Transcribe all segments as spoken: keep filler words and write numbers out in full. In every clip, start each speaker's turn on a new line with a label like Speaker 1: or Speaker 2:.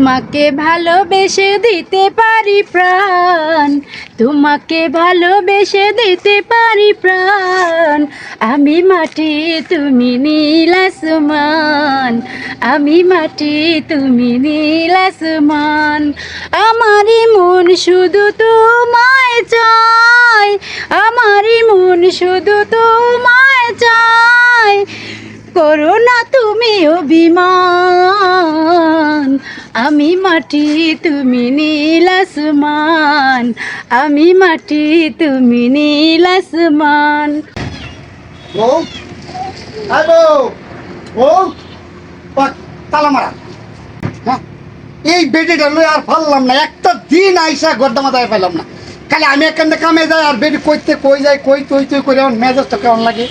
Speaker 1: তোমাকে ভালোবেসে দিতে পারি প্রাণ, তোমাকে ভালোবেসে দিতে পারি প্রাণ। আমি মাটি তুমি নীল আসমান, আমি মাটি তুমি নীল আসমান। আমারই মন শুধু তোমায় চায়, আমারই মন শুধু তোমায় চায়। করো না তুমি অভিমান, আমি মাটি তুমি নীল আসমান, আমি মাটি তুমি নীল আসমান।
Speaker 2: বউ আই বউ বউ পাক তালা মারা। হ্যাঁ এই বেডিটা লই আর পারলাম না, একটা দিন আইসা গড্ডা মাথায় পেলাম না। খালি আমি এখানে কামে যাই আর বেডি কইতে কই যাই কই তুই তুই করে আমার মেজাজটা কেমন লাগে।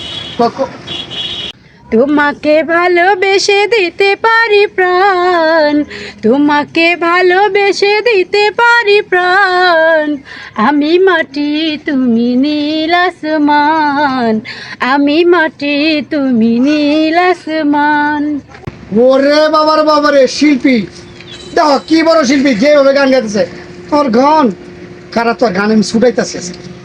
Speaker 1: তোমাকে ভালোবেসে দিতে পারি প্রাণ, তোমাকে ভালোবেসে দিতে পারি প্রাণ। আমি মাটি তুমি নীল আসমান, আমি মাটি তুমি নীল আসমান।
Speaker 2: ওরে বাবার বাবারে শিল্পী, দেখো কি বড় শিল্পী, যেভাবে গান গাইতেছে। তোর গান কারা, তোর গান আমি ছুটাইতেছে।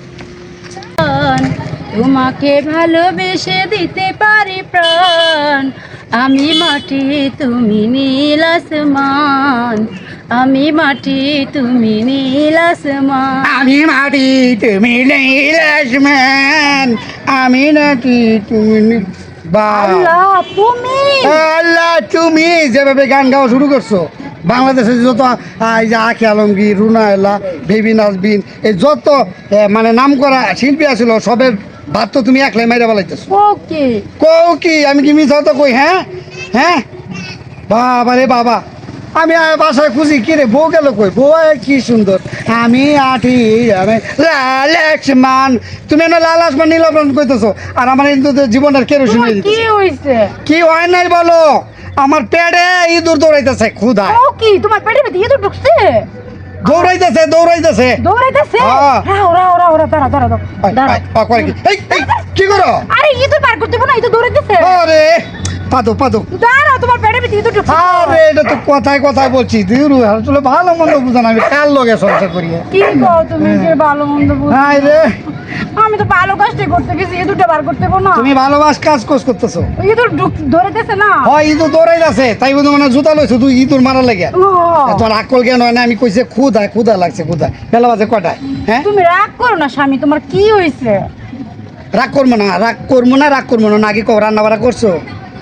Speaker 1: তোমাকে ভালোবেসে দিতে পারি প্রাণ, আমি মাটি তুমি নীল আসমান, আমি মাটি তুমি নীল আসমান।
Speaker 2: আমি মাটি তুমি নীল আসমান, আমি নাকি তুমি
Speaker 1: আল্লাহ তুমি
Speaker 2: আল্লাহ তুমি যেভাবে গান গাওয়া শুরু করছো, বাংলাদেশের যত এই যে আখি আলমগীর, রুনা এলা, বেবি নাজবিন, এই যত মানে নাম করা শিল্পী আছিল সবের ভাত তো তুমি একলাই মাইরা বলাইতেছো।
Speaker 1: ওকে
Speaker 2: কও কি আমি কি মিথ্যা তো কই? হ্যাঁ হ্যাঁ বাবা রে বাবা, আমি বাসায় খুঁজি কি রে বউ গেল কই? বউ কি সুন্দর, আমি আঠি আমি লাল আসমান, তুমি না লাল আসমান নীল আসমান কইতেছো আর আমার কিন্তু জীবনের কেরোসিন হয়ে
Speaker 1: কি
Speaker 2: দিতেছে।
Speaker 1: হইছে?
Speaker 2: কি হয় নাই বলো? আমার পেটে ইঁদুর দৌড়াইতেছে ক্ষুধা,
Speaker 1: ও কি তোমার পেটে ভিতরে ইঁদুর ঢুকছে?
Speaker 2: দৌড়াইতেছে দৌড়াইতেছে
Speaker 1: দৌড়াইতেছে?
Speaker 2: হ্যাঁ।
Speaker 1: হ্যাঁ ওরা ওরা ওরা দাঁড়া দাঁড়া দাঁড়া দাঁড়া।
Speaker 2: কি করো?
Speaker 1: আরে ইঁদুর পার করতে না, ইঁদুর দৌড়াইতেছে।
Speaker 2: আরে পাদো পাদো,
Speaker 1: দাঁড়া, তোমার পেটে ভিতরে ইঁদুর ঢুকছে।
Speaker 2: আরে এটা তো কথায় কথায় বলছি, দিরু আসলে ভালো মন্দ বুঝান, আমি কার লগে সংসার করি।
Speaker 1: কি কও তুমি, যে ভালো মন্দ বুঝো?
Speaker 2: হাই রে,
Speaker 1: আমি তো ভালো কাজটাই করতে গেছি, ইঁদুরটা বার করতে গো না।
Speaker 2: তুমি ভালোবাস কাজ কোস করতেছো।
Speaker 1: ইঁদুর ঢুক- ধরেতেছে না।
Speaker 2: হয় ইঁদুর দৌড়াই আছে, তাই বুঝো মানে জুতা লইছো তুই ইঁদুর মারা লেগে।
Speaker 1: ও,
Speaker 2: তোমার আকল জ্ঞান হয় না, আমি কইছে ক্ষুধা ক্ষুধা লাগছে ক্ষুধা। বেলা বাজে কটায়? হ্যাঁ
Speaker 1: তুমি রাগ করো না স্বামী, তোমার কি হয়েছে?
Speaker 2: রাগ করবো না, রাগ করবো না, রাগ করবো না। আগে কো রান্না বাড়া করছো?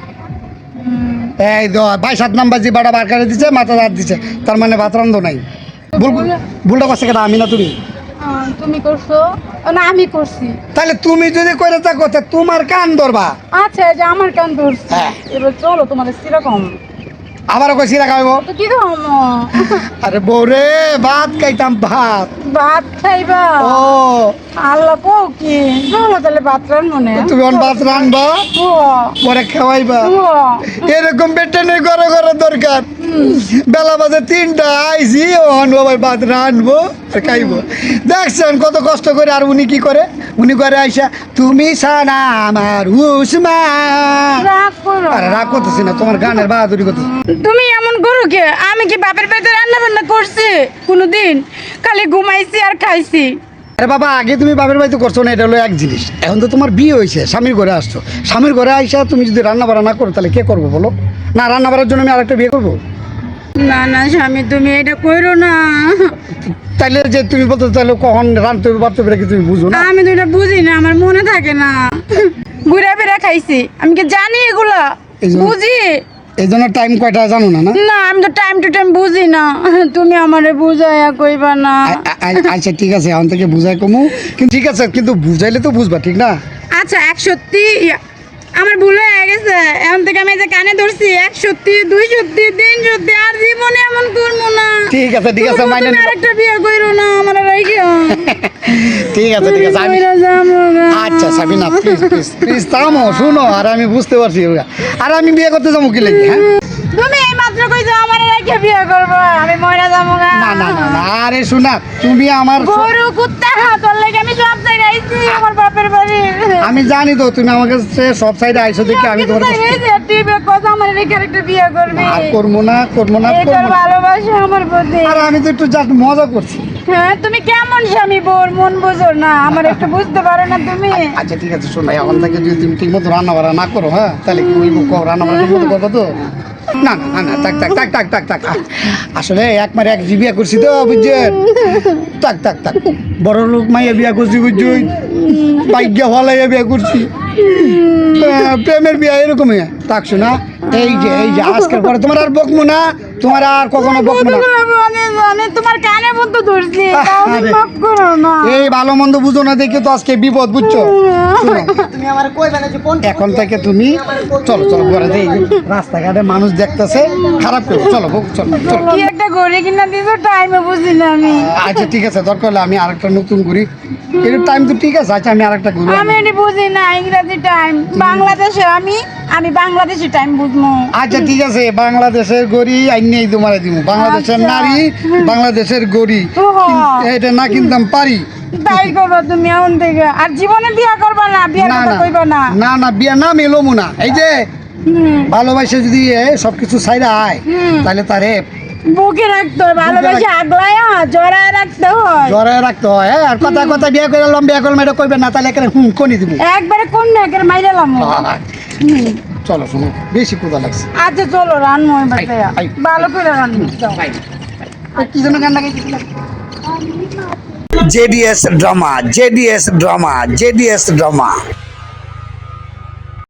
Speaker 2: এই তো ভাই সাত নাম্বার জি বাড়া বার করে দিচ্ছে, মাথা দাঁত দিচ্ছে, তার মানে ভাত রান্ধো নাই। ভুল ভুলটা করছে কেন? আমি না তুমি?
Speaker 1: আহ, তুমি করছো না আমি করছি?
Speaker 2: তাহলে তুমি যদি করে থাকো তা তোমার কান ধরবা।
Speaker 1: আচ্ছা, এই যে আমার কান ধরছি।
Speaker 2: হ্যাঁ।
Speaker 1: এবার চলো তোমাদের সেরকম
Speaker 2: আবারও কই সিরা খাইব?
Speaker 1: তো কি খামো?
Speaker 2: আরে বৌরে ভাত খাইতাম, ভাত।
Speaker 1: ভাত খাইবা?
Speaker 2: ও
Speaker 1: আল্লাহ কো কি, চলো তাহলে ভাত রান্না নে।
Speaker 2: তুমি অন ভাত রানবা,
Speaker 1: ও,
Speaker 2: পরে খাওয়াইবা।
Speaker 1: ও,
Speaker 2: এরকম বেটে নেই ঘরে ঘরে দরকার। বেলা বাজে তিনটা আইসি, অন বাবার ভাত রানবো আর খাইবো। দেখছেন কত কষ্ট করে, আর উনি কি করে? উনি করে আইসা তুমি সানা আমার উসমান।
Speaker 1: রাগ করো
Speaker 2: আরে রাগ করতেছি না, তোমার গানের বাহাদুরি করতেছি।
Speaker 1: তুমি এমন করো কে? আমি কি বাপের বাড়িতে রান্না বান্না করছি কোনোদিন? খালি ঘুমাইছি আর খাইছি।
Speaker 2: আরে বাবা, আগে তুমি বাপের বাড়িতে করছো না, এটা হলো এক জিনিস। এখন তো তোমার বিয়ে হয়েছে, স্বামীর ঘরে আসছো, স্বামীর ঘরে আইসা তুমি যদি রান্না বাড়া না করো তাহলে কে করবো বলো? না রান্না বাড়ার জন্য আমি আরেকটা বিয়ে করবো?
Speaker 1: না না স্বামী, তুমি এটা কইরো না।
Speaker 2: তাইলে যে তুমি বলতো তাহলে কখন রান্নতে হবে বাড়তে হবে কি তুমি বুঝো না?
Speaker 1: আমি তো এটা বুঝি না, আমার মনে থাকে না। ঘুরে ফিরে খাইছি, আমি কি জানি এগুলা?
Speaker 2: এই জন্য-
Speaker 1: বুঝি
Speaker 2: এই জন্য টাইম কয়টা জানো না? না
Speaker 1: না, আমি তো টাইম টু টাইম বুঝি না। তুমি আমারে বুঝাইয়া কইবা না?
Speaker 2: আ- আ- আ- আচ্ছা ঠিক আছে, এখন থেকে বুঝাই কমু, কিন্তু ঠিক আছে, কিন্তু বুঝাইলে তো বুঝবা, ঠিক না?
Speaker 1: আচ্ছা, এক সত্যি আমার ভুল হয়ে গেছে। এখন থেকে আমি এই যে কানে ধরছি, এক সত্যি, দুই সত্যি, তিন সত্যি, আর জীবনে এমন করবো না।
Speaker 2: ঠিক আছে ঠিক আছে, মাইনে নিলাম।
Speaker 1: আরেকটা বিয়ে কইরো না আমার রাইখা।
Speaker 2: ঠিক আছে ঠিক আছে, আমি
Speaker 1: কইরা যাবো গা।
Speaker 2: আচ্ছা সাবিনা প্লিজ প্লিজ প্লিজ থামো, শুনো, আর আমি বুঝতে পারছি, আর আমি বিয়ে করতে যাবো কি লাগি? হ্যাঁ
Speaker 1: তুমি এই মাত্র কইছো আমার রাইখা রেখে বিয়ে করবো, আমি মরে যাবো না।
Speaker 2: না না না না, আরে শোনা তুমি আমার
Speaker 1: গরু কুত্তা তোর লেগে আমি সব জায়গায় আইছি, আমার বাপের বাড়ি।
Speaker 2: আমি জানি তো তুমি আমার কাছে সব সাইডে আইছো দেখে আমি তোমার কাছে
Speaker 1: তুই কথা আমার রেখে একটা বিয়ে করবি,
Speaker 2: আর করবো না করবো না
Speaker 1: এই তোর
Speaker 2: করবো না।
Speaker 1: ভালোবাসা আমার প্রতি।
Speaker 2: আর আমি তো একটু জাস্ট মজা করছি।
Speaker 1: হ্যাঁ তুমি কেমন স্বামী, বোর মন বুঝো না, আমার একটু বুঝতে পারো না তুমি।
Speaker 2: আচ্ছা ঠিক আছে শোনো, এখন থেকে যদি তুমি ঠিক মতো রান্না বান্না না করো, হ্যাঁ তাহলে কি ওই মুখ রান্না বান্না ঠিক মতো করবো তো? না না না না থাক থাক থাক থাক থাক থাক আহ, আসলে এক মারে এক জি বিয়া করছি তো বুঝছেন, থাক থাক থাক বড় লোক মাইয়া বিয়া করছি বুঝছুই, বাইক হলাইয়া বিয়া করছি, আহ, প্রেমের বিয়া এরকমই থাক। শোনা এই যে এই যে আজকের পরে তোমার আর বকবো না, তোমার আর কখনো বকবো না।
Speaker 1: আমি তোমার কানে মতো ধরছি, তাও তুমি
Speaker 2: আরে।
Speaker 1: মাফ করো না।
Speaker 2: এই ভালো মন্দ বুঝো না দেখে তো আজকে বিপদ বুঝছো। শোনো,
Speaker 3: তুমি আমার কইবে না যে কোন
Speaker 2: এখন থেকে তুমি চলো চলো ঘরে দেই, রাস্তাঘাটে মানুষ দেখতেছে খারাপ করো, চলো বউ, চলো চলো।
Speaker 1: কি একটা ঘড়ি কিনা দিছো, টাইমে বুঝি না আমি।
Speaker 2: আচ্ছা ঠিক আছে, দরকার হলে আমি আরেকটা নতুন ঘুরি, এর টাইম তো ঠিক আছে। আচ্ছা আমি আরেকটা ঘুরি।
Speaker 1: আমি এটি বুঝি না ইংরেজি টাইম, বাংলাদেশে আমি আমি বাংলাদেশি টাইম বুঝবো।
Speaker 2: আচ্ছা ঠিক আছে, বাংলাদেশের গড়ি আইনেই তোমার দিব, বাংলাদেশের
Speaker 1: আচ্ছা।
Speaker 2: নারী বাংলাদেশের গড়ি,
Speaker 1: ওহো।
Speaker 2: কিন্তু এটা না কিনতাম পারি।
Speaker 1: তাই করবো তুমি এখন থেকে, আর জীবনে বিয়ে করবা না, বিয়ের
Speaker 2: না
Speaker 1: কথা
Speaker 2: না
Speaker 1: কইবা না।
Speaker 2: না না বিয়া না মেলোমু না। এই যে
Speaker 1: হুম,
Speaker 2: ভালোবাসে যদি এ সবকিছু সাইডে আয়,
Speaker 1: হুম।
Speaker 2: তাহলে তারে
Speaker 1: বুকে রাখতে হয়, ভালোবাসা আগলায় জড়ায় রাখতে হয়।
Speaker 2: জড়ায় রাখতে হয়। হ্যাঁ আর কথা কথা বিয়ে করলাম বিয়ে করলাম এটা কইবে না, তাহলে এখানে হুম কোনি দিব।
Speaker 1: একবারে কোন না একবারে মাইরালাম।
Speaker 2: চলো শোনো, বেশি ক্ষুধা লাগছে।
Speaker 1: আচ্ছা চলো রান্না হয় বাসায়,
Speaker 2: আই, আই।
Speaker 1: ভালো করে রান্না দাও।
Speaker 2: কি জন্য গান লাগাইছিলাম?
Speaker 4: JDS drama JDS drama JDS drama